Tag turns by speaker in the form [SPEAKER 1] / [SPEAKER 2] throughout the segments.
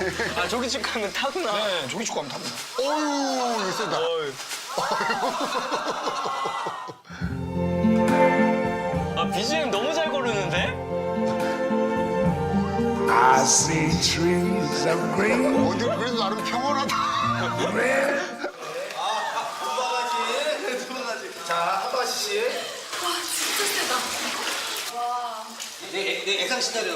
[SPEAKER 1] 아, 조기축구 하면 타구나.
[SPEAKER 2] 네, 조기축구 하면 탑니다.
[SPEAKER 3] 어휴, 이거 세다.
[SPEAKER 1] 아, BGM 너무 잘 고르는데?
[SPEAKER 4] I see trees of green.
[SPEAKER 3] 어디 그래도 나름 평온하다.
[SPEAKER 5] 예상 시나리오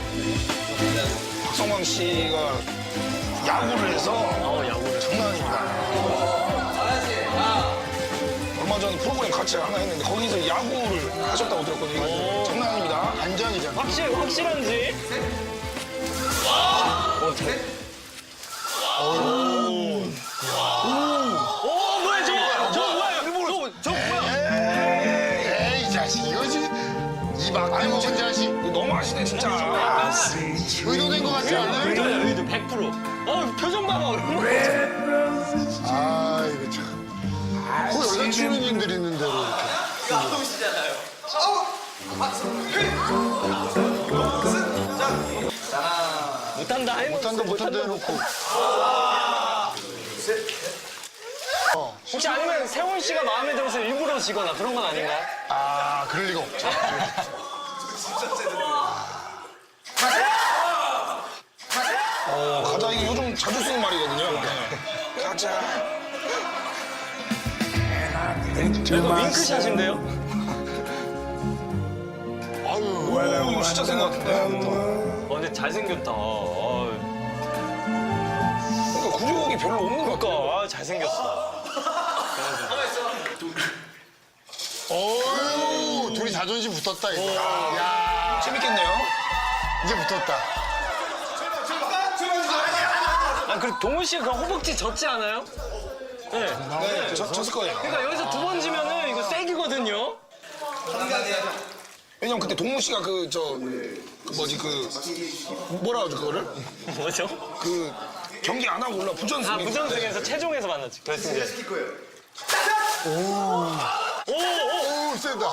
[SPEAKER 2] 박성광 씨가 야구를 해서
[SPEAKER 1] 야구를.
[SPEAKER 2] 장난 아닙니다. 얼마 전에 프로그램 같이 하나 했는데 거기서 야구를 하셨다고 들었거든요. 이거 장난 아닙니다.
[SPEAKER 3] 반장이잖아.
[SPEAKER 1] 확실한지? 뭐야, 저거 뭐야? 저거 뭐야?
[SPEAKER 3] 에이, 이 자식. 이거지. 이 막대고 천자식.
[SPEAKER 2] 너무 아시네 진짜.
[SPEAKER 4] I see trees.
[SPEAKER 3] 의도된 것 같지 않아요?
[SPEAKER 1] 의도 100%. 표정 봐봐.
[SPEAKER 4] Red roses.
[SPEAKER 3] 아, 이거 참. 그 여자 출연진들 있는 대로 이렇게. 못한다 해놓고.
[SPEAKER 1] 혹시 아니면 세훈 씨가 마음에 들어서 일부러 지거나 그런 건 아닌가요?
[SPEAKER 3] 아, 그럴 리가 없죠.
[SPEAKER 2] 가자 이게 요즘 자주 쓰는 말이거든요. 네. 가자.
[SPEAKER 4] Think to
[SPEAKER 1] 이거
[SPEAKER 4] myself.
[SPEAKER 1] 윙크샷인데요?
[SPEAKER 2] 아유, 이거 진짜 생각 같은데.
[SPEAKER 1] 근데 잘생겼다.
[SPEAKER 2] 그러니까 구력이 별로 없는 것 같아.
[SPEAKER 1] 잘생겼어.
[SPEAKER 3] 어휴, 둘이 자존심 붙었다, 이거. 야,
[SPEAKER 2] 재밌겠네요.
[SPEAKER 3] 이제 붙었다.
[SPEAKER 1] 그리고 동훈 씨가 그 허벅지 졌지 않아요? 네.
[SPEAKER 2] 네, 졌을 거예요.
[SPEAKER 1] 그러니까 여기서 2번 지면은 이거 세기거든요?
[SPEAKER 2] 왜냐면 그때 동무 씨가 뭐라 하죠 그거를?
[SPEAKER 1] 뭐죠?
[SPEAKER 2] 그 경기 안 하고 올라 부전승.
[SPEAKER 1] 부전승에서 최종에서 만났지, 결승전.
[SPEAKER 3] 오, 세다.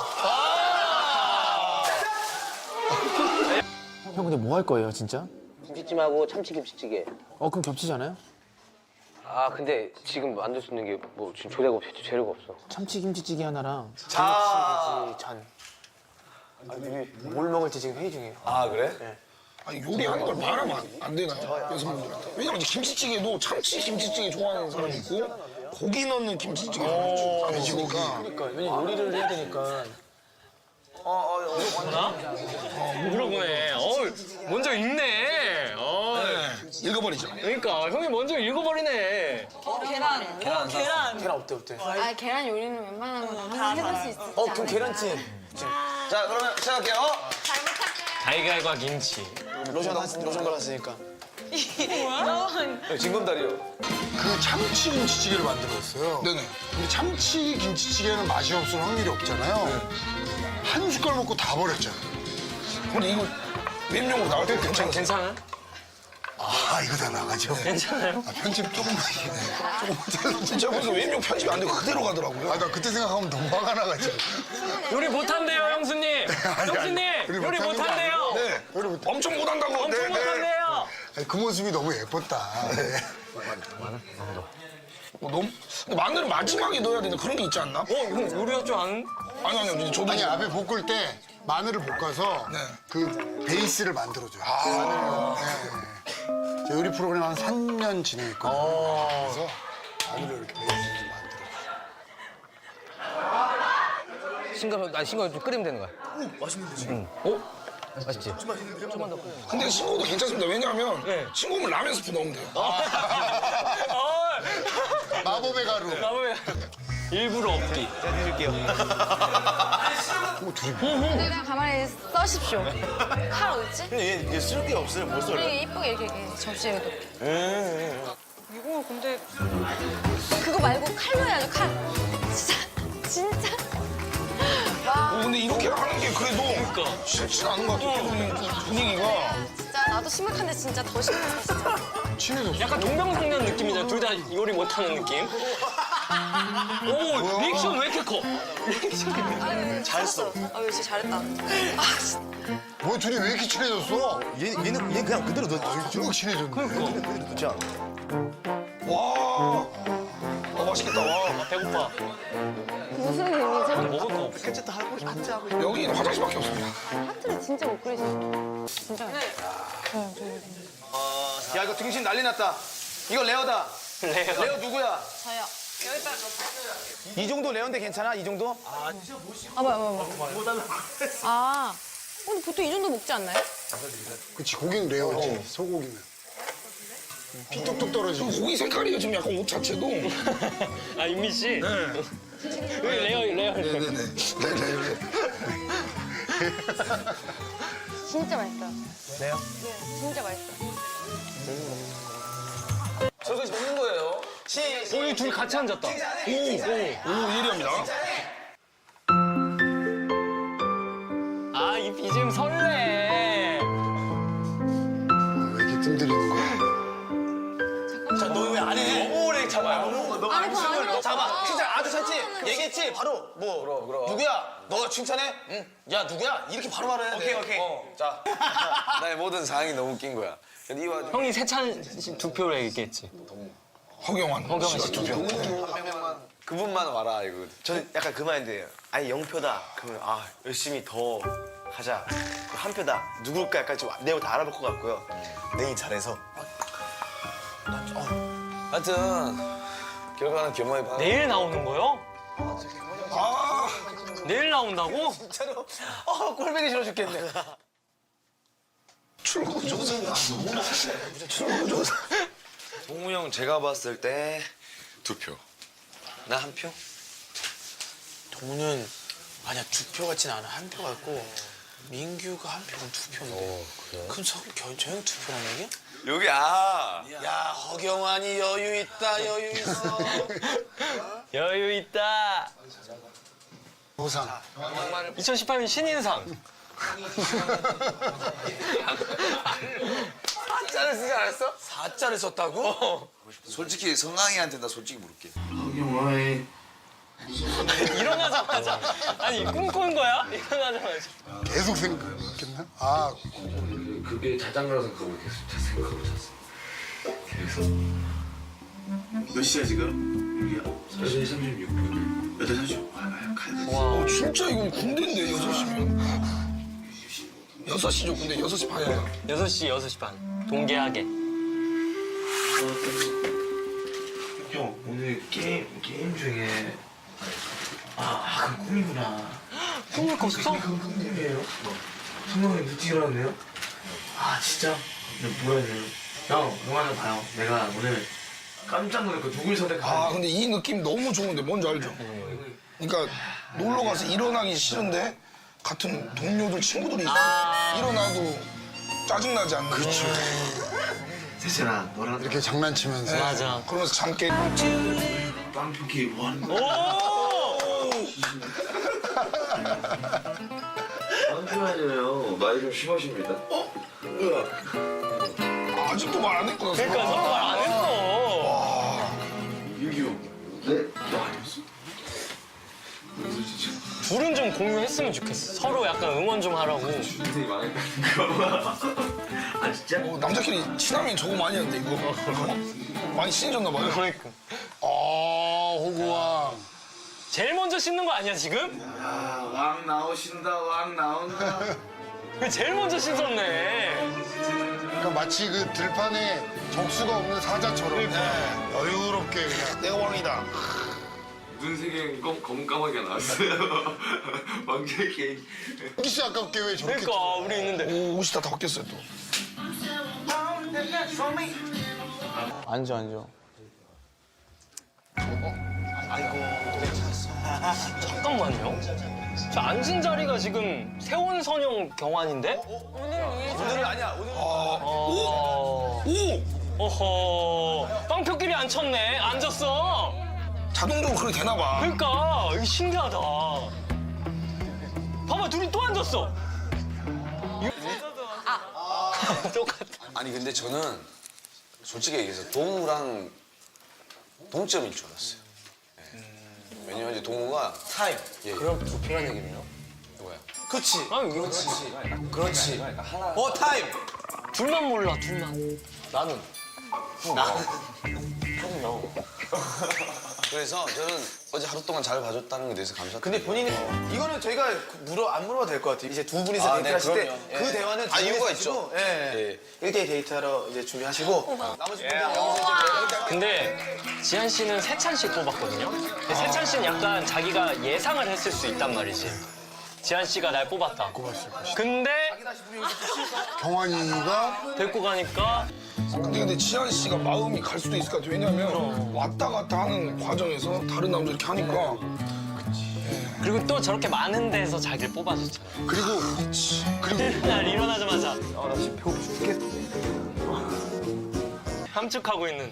[SPEAKER 6] 형 근데 뭐 할 거예요 진짜?
[SPEAKER 5] 김치찜하고 참치김치찌개.
[SPEAKER 6] 그럼 겹치잖아요?
[SPEAKER 5] 아 근데 지금 만들 수 있는 게 뭐 지금 재료가 없어.
[SPEAKER 6] 참치김치찌개 하나랑 장치돼지 전. 뭘 먹을지 지금 회의 중이에요.
[SPEAKER 5] 아 그래?
[SPEAKER 2] 아니, 요리하는 걸 말하면 안 되나요? 여성분들한테. 왜냐면 이제 김치찌개도 참치 김치찌개 좋아하는 사람이 있고 고기 넣는 김치찌개 좋아하는 사람이 있고 돼지고기.
[SPEAKER 6] 그러니까 왜냐 요리를 해야 되니까.
[SPEAKER 1] 물어보네. 먼저 읽네.
[SPEAKER 2] 읽어버리죠.
[SPEAKER 1] 그러니까 형이 먼저 읽어버리네.
[SPEAKER 6] 계란 어때?
[SPEAKER 7] 아 계란 요리는 웬만한 건 다 해볼 수 있지.
[SPEAKER 6] 그럼 계란찜.
[SPEAKER 5] 자 그러면 시작할게요.
[SPEAKER 7] 잘 부탁해.
[SPEAKER 1] 달걀과 김치.
[SPEAKER 6] 로션 발랐으니까.
[SPEAKER 5] 징검다리요.
[SPEAKER 3] 그 참치 김치찌개를 만들었어요.
[SPEAKER 2] 네네.
[SPEAKER 3] 근데 참치 김치찌개는 맛이 없을 확률이 없잖아요. 한 숟갈 먹고 다 버렸잖아요.
[SPEAKER 2] 근데 이거 웹용으로 나올 때 괜찮아요.
[SPEAKER 1] 괜찮아?
[SPEAKER 3] 아, 이거 다 나가죠?
[SPEAKER 1] 괜찮아요?
[SPEAKER 3] 아, 편집 조금만 잘라주세요.
[SPEAKER 2] 진짜 그래서 웹용 편집이 안 되고 그대로 가더라고요.
[SPEAKER 3] 아, 나 그때 생각하면 너무 화가 나가지고.
[SPEAKER 1] 요리 못한대요, 형수님. 형수님, 요리 못한대요.
[SPEAKER 2] 네.
[SPEAKER 3] 요리 못-
[SPEAKER 2] 엄청 못한다고.
[SPEAKER 1] 엄청
[SPEAKER 2] 네, 네.
[SPEAKER 1] 못한대요.
[SPEAKER 3] 아니, 그 모습이 너무 예뻤다. 네.
[SPEAKER 2] 너무 근데 마늘은 마지막에 넣어야 되는 그런 게 있지 않나?
[SPEAKER 1] 형 요리할 줄 아는?
[SPEAKER 2] 아니요, 저도
[SPEAKER 3] 아니, 앞에 볶을 때 마늘을 볶아서
[SPEAKER 2] 네.
[SPEAKER 3] 그 베이스를 만들어줘요. 마늘을. 네. 저 요리 프로그램 한 3년 진행했거든요. 그래서 마늘을 이렇게 베이스를 만들어줘요.
[SPEAKER 5] 싱거운 좀 끓이면 되는 거야. 맛있는 거지. 맛있지?
[SPEAKER 2] 근데 싱거워도 괜찮습니다. 왜냐하면 싱거우면 라면 스프 넣으면 돼요.
[SPEAKER 3] 마법의 가루.
[SPEAKER 1] 일부러 없기.
[SPEAKER 7] 그냥 가만히 써십시오. 칼 어딨지?
[SPEAKER 5] 얘 쓸 게 없어요. 못 써.
[SPEAKER 7] 우리 이쁘게 이렇게 접시에 놓게. 이거 근데 그거 말고 칼로 해야죠 칼. 진짜. 와
[SPEAKER 2] 근데 이렇게 하는 게 그래도 싫지 않은 것 같아요. 분위기가.
[SPEAKER 7] 진짜 나도 심각한데 진짜 더 심각해 진짜.
[SPEAKER 3] 친해졌어.
[SPEAKER 1] 약간 동병상련 느낌이잖아. 둘 다 요리 못하는 느낌. 오, 리액션 왜 이렇게 커? 리액션.
[SPEAKER 7] 잘했어. 아 진짜 잘했다. 아 진짜.
[SPEAKER 3] 뭐 둘이 왜 이렇게 친해졌어?
[SPEAKER 8] 얘 그냥 그대로 넣었지.
[SPEAKER 3] 쭉 친해졌네.
[SPEAKER 8] 그대로 넣지 않아.
[SPEAKER 2] 와. 맛있겠다. 와.
[SPEAKER 1] 배고파.
[SPEAKER 7] 무슨 의미죠?
[SPEAKER 1] 먹을 거 없어.
[SPEAKER 8] 어쨌든 하고 앉아 하고.
[SPEAKER 2] 여기는 화장실밖에 없습니다.
[SPEAKER 7] 하트를 진짜 못 그리시네. 진짜.
[SPEAKER 8] 야 이거 등신 난리 났다. 이거 레어다. 레어 누구야?
[SPEAKER 7] 저요.
[SPEAKER 8] 이 정도 레어인데 괜찮아? 이 정도?
[SPEAKER 7] 아, 뭐야. 아, 근데 보통 이 정도 먹지 않나요?
[SPEAKER 3] 그치, 고기는 레어지. 소고기는. 피 뚝뚝 떨어지고.
[SPEAKER 2] 고기 색깔이요 지금 약간 옷 자체도.
[SPEAKER 1] 아 윤미 씨. 여기 레어.
[SPEAKER 2] 네네네.
[SPEAKER 7] 진짜 맛있어요. 네요? 네, 진짜 맛있어요.
[SPEAKER 6] 저기 먹는 거예요.
[SPEAKER 1] 우리 둘이 같이 앉았다.
[SPEAKER 2] 오 예리합니다.
[SPEAKER 1] 아 이 BGM 설레.
[SPEAKER 3] 왜 이렇게 뜸들이는 거야?
[SPEAKER 6] 너 왜 안 해? 너무 오래 잡아요. 너
[SPEAKER 7] 아니, 그거 아니라고.
[SPEAKER 6] 잡아. 진짜 아주 샀지? 얘기했지? 바로 뭐
[SPEAKER 8] 그럼.
[SPEAKER 6] 누구야? 너 칭찬해? 응. 야 누구야? 이렇게 바로 말해야 돼. 오케이.
[SPEAKER 8] 자, 나의 모든 상황이 너무 웃긴 거야. 근데 이 와중에
[SPEAKER 1] 형이 세찬 두 표로 얘기했지.
[SPEAKER 2] 허경환.
[SPEAKER 1] 허경환 씨 두 표.
[SPEAKER 8] 그분만 와라 이거.
[SPEAKER 9] 저는 약간 그 마인드예요. 아니 0표다. 그러면 아 열심히 더 하자. 한 표다. 누굴까 약간 좀 내용 다 알아볼 것 같고요. 내일 잘해서.
[SPEAKER 8] 하여튼 결과는 겸허히 봐.
[SPEAKER 1] 내일 나오는 거요? 내일 나온다고?
[SPEAKER 6] 진짜로. 꼴보기 싫어 죽겠네.
[SPEAKER 2] 출구 조사. 출구 조사.
[SPEAKER 8] 동우 형 제가 봤을 때 2표. 나 1표?
[SPEAKER 6] 동우는 아니야 2표 같진 않아. 1표 같고 민규가 1표면 2표인데. 그럼 저 형 2표란 얘기야?
[SPEAKER 8] 여기
[SPEAKER 6] 야 허경환이 여유 있다 여유 있어.
[SPEAKER 1] 여유 있다.
[SPEAKER 3] 보상.
[SPEAKER 1] 2018년 신인상.
[SPEAKER 6] 사자를 쓰지 않았어? 사자를 썼다고?
[SPEAKER 8] 솔직히 성강이한테 나 솔직히 물을게.
[SPEAKER 1] 일어나자마자. 아니 꿈꾼 거야? 일어나자마자.
[SPEAKER 3] 계속 생각했나? 아,
[SPEAKER 10] 그게 자장가라 생각하고 계속 생각하고 잤어. 그래서 몇 시야 지금? 8시 36분. 8시 36분. 가야 돼.
[SPEAKER 2] 진짜 이건 군대인데 6시면. 6시죠 군대 6시 반이야.
[SPEAKER 1] 6시 반. 동계하게.
[SPEAKER 10] 형 오늘 게임 중에 그 꿈이구나.
[SPEAKER 1] 꿈을 꿨어?
[SPEAKER 10] 그 꿈이에요? 성경이 일찍 일어났네요? 아 진짜? 근데 뭐라 해야 돼요? 형 영화는 봐요. 내가 오늘 깜짝 놀랐고 누굴 선택하는지.
[SPEAKER 2] 아 근데 이 느낌 너무 좋은데 뭔지 알죠? 그러니까 놀러 가서 일어나기 싫은데 같은 동료들 친구들이 있어. 일어나도 짜증나지 않는. 그렇죠.
[SPEAKER 10] 세찬아 너랑
[SPEAKER 3] 이렇게 장난치면서.
[SPEAKER 1] 맞아.
[SPEAKER 2] 그러면서 잠 깨.
[SPEAKER 10] 빵표기 뭐 하는
[SPEAKER 1] 오!
[SPEAKER 10] 빵표하잖아요. 말이 좀 심하십니다.
[SPEAKER 2] 아직도 말 안 했구나.
[SPEAKER 1] 그러니까 너도 말 안 했어.
[SPEAKER 10] 유기호. 네? 너 아니었어?
[SPEAKER 1] 둘은 좀 공유했으면 좋겠어. 서로 약간 응원 좀 하라고.
[SPEAKER 10] 인생이 망했다는 거. 아 진짜?
[SPEAKER 2] 남자끼리 친하면 저거 많이 하는데 이거. 많이 친해졌나 봐요.
[SPEAKER 1] 그러니까.
[SPEAKER 3] 호구왕.
[SPEAKER 1] 제일 먼저 씻는 거 아니야 지금?
[SPEAKER 10] 왕 나오신다 왕 나온다.
[SPEAKER 1] 그 제일 먼저 씻었네.
[SPEAKER 3] 그러니까 마치 그 들판에 적수가 없는 사자처럼 여유롭게 그냥.
[SPEAKER 2] 내가 왕이다.
[SPEAKER 10] 눈 세 개 검은 까마귀가 나왔어요. 왕자의 게임.
[SPEAKER 3] 혹시 아깝게 왜 저렇게.
[SPEAKER 1] 그러니까 우리 있는데.
[SPEAKER 2] 오 옷이 다 바뀌었어요 또.
[SPEAKER 6] 앉아.
[SPEAKER 1] 잠깐만요. 저 앉은 자리가 지금 세원선영 경환인데?
[SPEAKER 6] 오늘은 아니야. 오늘
[SPEAKER 1] 어...
[SPEAKER 2] 오
[SPEAKER 1] 어허. 빵표끼리 앉혔네. 앉았어.
[SPEAKER 2] 자동적으로 그렇게 되나 봐.
[SPEAKER 1] 그러니까 이게 신기하다. 봐봐 둘이 또 앉았어. 똑같아.
[SPEAKER 8] 아니 근데 저는 솔직히 얘기해서 동우랑 동점일 줄 알았어요. 예. 왜냐면 이제 동우가 타임. 예.
[SPEAKER 5] 그럼 2표란 얘기네요.
[SPEAKER 8] 누가요?
[SPEAKER 6] 그렇지.
[SPEAKER 8] 그렇지.
[SPEAKER 6] 어 타임.
[SPEAKER 1] 둘만 몰라, 둘만.
[SPEAKER 8] 나는. 그래서 저는 어제 하루 동안 잘 봐줬다는 것에 대해서 감사드립니다.
[SPEAKER 6] 근데 본인이 이거는 저희가 안 물어봐도 될 것 같아요. 이제 두 분이서 데이트를 하실 때
[SPEAKER 8] 그럼요.
[SPEAKER 6] 그
[SPEAKER 8] 예.
[SPEAKER 6] 대화는
[SPEAKER 8] 아, 이유가
[SPEAKER 6] 준비하시고,
[SPEAKER 8] 있죠.
[SPEAKER 6] 예. 1대1 데이트하러 이제 준비하시고 나머지 분들 여기서 이제
[SPEAKER 1] 근데 지한 씨는 세찬 씨 뽑았거든요. 근데 세찬 씨는 약간 자기가 예상을 했을 수 있단 말이지. 지한 씨가 날 뽑았다. 근데
[SPEAKER 3] 경환이가
[SPEAKER 1] 데리고 가니까
[SPEAKER 2] 근데 지한 씨가 마음이 갈 수도 있을 것 같아. 왜냐면 왔다 갔다 하는 과정에서 다른 남자 이렇게 하니까
[SPEAKER 1] 그리고 또 저렇게 많은 데서 자기를 뽑아줬잖아.
[SPEAKER 3] 그리고
[SPEAKER 1] 날 일어나자마자 나 지금 배고파 죽겠어. 함축하고 있는.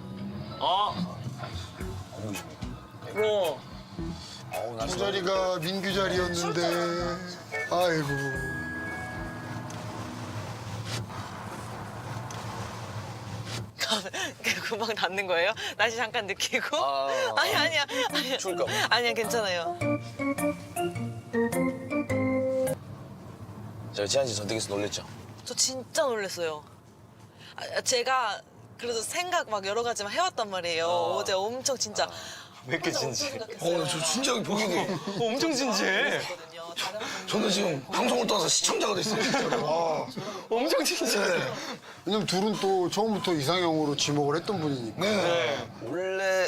[SPEAKER 3] 저 자리가 민규 자리였는데 아이고.
[SPEAKER 11] 금방 닿는 거예요? 날씨 잠깐 느끼고? 아니야.
[SPEAKER 8] 추울까 봐.
[SPEAKER 11] 아니야, 괜찮아요.
[SPEAKER 8] 제가 지한 씨 선택해서 놀랬죠.
[SPEAKER 11] 저 진짜 놀랐어요. 제가 그래도 생각 막 여러 가지 해왔단 말이에요. 어제 엄청 진짜.
[SPEAKER 1] 왜 이렇게 진지해?
[SPEAKER 2] 저 진짜 보기도
[SPEAKER 1] 엄청 진지해.
[SPEAKER 2] 저는 지금 방송을 떠나서 시청자가 됐어요. 진짜로. 와.
[SPEAKER 1] 엄청 진지해.
[SPEAKER 3] 왜냐면 둘은 또 처음부터 이상형으로 지목을 했던 분이니까.
[SPEAKER 2] 네.
[SPEAKER 8] 원래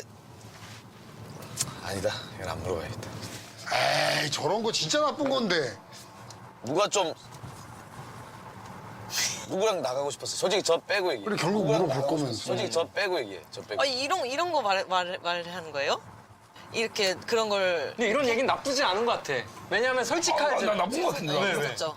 [SPEAKER 8] 아니다. 이건 안 물어봐야겠다.
[SPEAKER 3] 에이 저런 거 진짜 나쁜 건데.
[SPEAKER 8] 누가 좀 누구랑 나가고 싶었어요? 솔직히 저 빼고 얘기해.
[SPEAKER 3] 그래 결국
[SPEAKER 8] 누구랑
[SPEAKER 3] 물어볼
[SPEAKER 8] 나가고
[SPEAKER 3] 거면.
[SPEAKER 8] 솔직히 저 빼고 얘기해. 저 빼고.
[SPEAKER 11] 이런 거 말하는 거예요? 이렇게 그런 걸.
[SPEAKER 1] 근데 이런 얘기는 나쁘지 않은 것 같아. 왜냐면 솔직하지.
[SPEAKER 2] 나 나쁜 것 같은데. 나.
[SPEAKER 11] 그렇죠.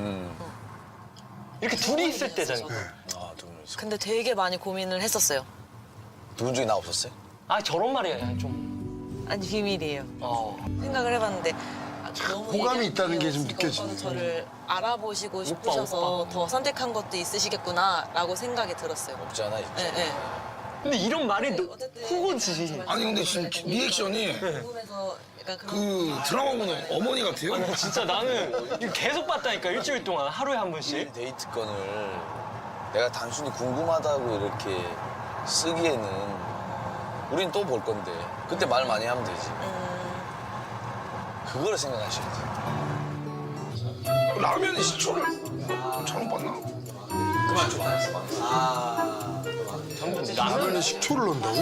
[SPEAKER 1] 이렇게 둘이 있을 때잖아.
[SPEAKER 8] 아, 두 분 있어.
[SPEAKER 11] 근데 되게 많이 고민을 했었어요.
[SPEAKER 8] 두 분 중에 나 없었어요?
[SPEAKER 1] 아 저런 말이야 좀.
[SPEAKER 11] 아니 비밀이에요. 생각을 해봤는데 너무
[SPEAKER 3] 호감이 있다는 게 좀
[SPEAKER 11] 얘기하시니까
[SPEAKER 3] 느껴지네.
[SPEAKER 11] 오빠는 저를 알아보시고 싶으셔서 더 선택한 것도 있으시겠구나라고 생각이 들었어요.
[SPEAKER 8] 없지 않아 있지.
[SPEAKER 11] 네.
[SPEAKER 1] 근데 이런 말이
[SPEAKER 11] 어쨌든
[SPEAKER 1] 후고지.
[SPEAKER 2] 아니 근데 지금 리액션이
[SPEAKER 11] 궁금해서 약간 그런.
[SPEAKER 2] 그 드라마 보는 어머니 같아요.
[SPEAKER 1] 진짜 나는 이거 계속 봤다니까 일주일 동안 하루에 한 번씩.
[SPEAKER 8] 데이트 건을 내가 단순히 궁금하다고 이렇게 쓰기에는 우린 또 볼 건데 그때 말 많이 하면 되지. 그거를 생각하셔야지.
[SPEAKER 2] 라면의 시초를 잘못 봤나?
[SPEAKER 3] 라면에 식초를 넣는다고?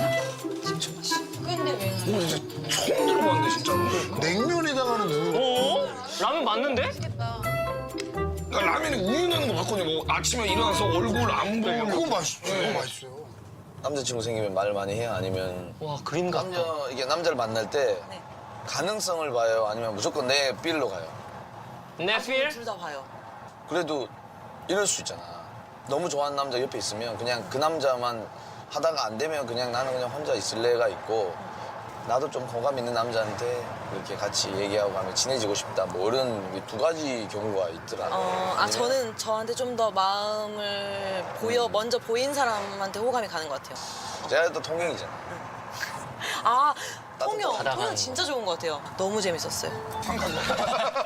[SPEAKER 2] 이거 진짜 처음 들어봤는데 진짜로.
[SPEAKER 3] 냉면에다가는 뭐
[SPEAKER 1] 라면 맞는데?
[SPEAKER 2] 그러니까 라면에 우유 넣는 거 봤거든요. 뭐 아침에 일어나서 얼굴 안 보고.
[SPEAKER 3] 그거 맛있죠. 그거 맛있어요.
[SPEAKER 8] 남자친구 생기면 말 많이 해요? 아니면
[SPEAKER 1] 와 그림 같다.
[SPEAKER 8] 이게 남자를 만날 때
[SPEAKER 11] 네.
[SPEAKER 8] 가능성을 봐요? 아니면 무조건 내 필로 가요?
[SPEAKER 1] 내 필?
[SPEAKER 11] 둘 다 봐요.
[SPEAKER 8] 그래도 이럴 수 있잖아. 너무 좋아하는 남자 옆에 있으면 그냥 그 남자만 하다가 안 되면 그냥 나는 그냥 혼자 있을래가 있고 나도 좀 호감 있는 남자한테 이렇게 같이 얘기하고 하면 친해지고 싶다. 뭐 이런 두 가지 경우가 있더라.
[SPEAKER 11] 저는 저한테 좀 더 마음을 먼저 보인 사람한테 호감이 가는 것 같아요.
[SPEAKER 8] 제가 또 통행이잖아.
[SPEAKER 11] 통영
[SPEAKER 1] 받아가는
[SPEAKER 11] 진짜 좋은 것 같아요. 너무 재밌었어요.
[SPEAKER 2] 상 가져.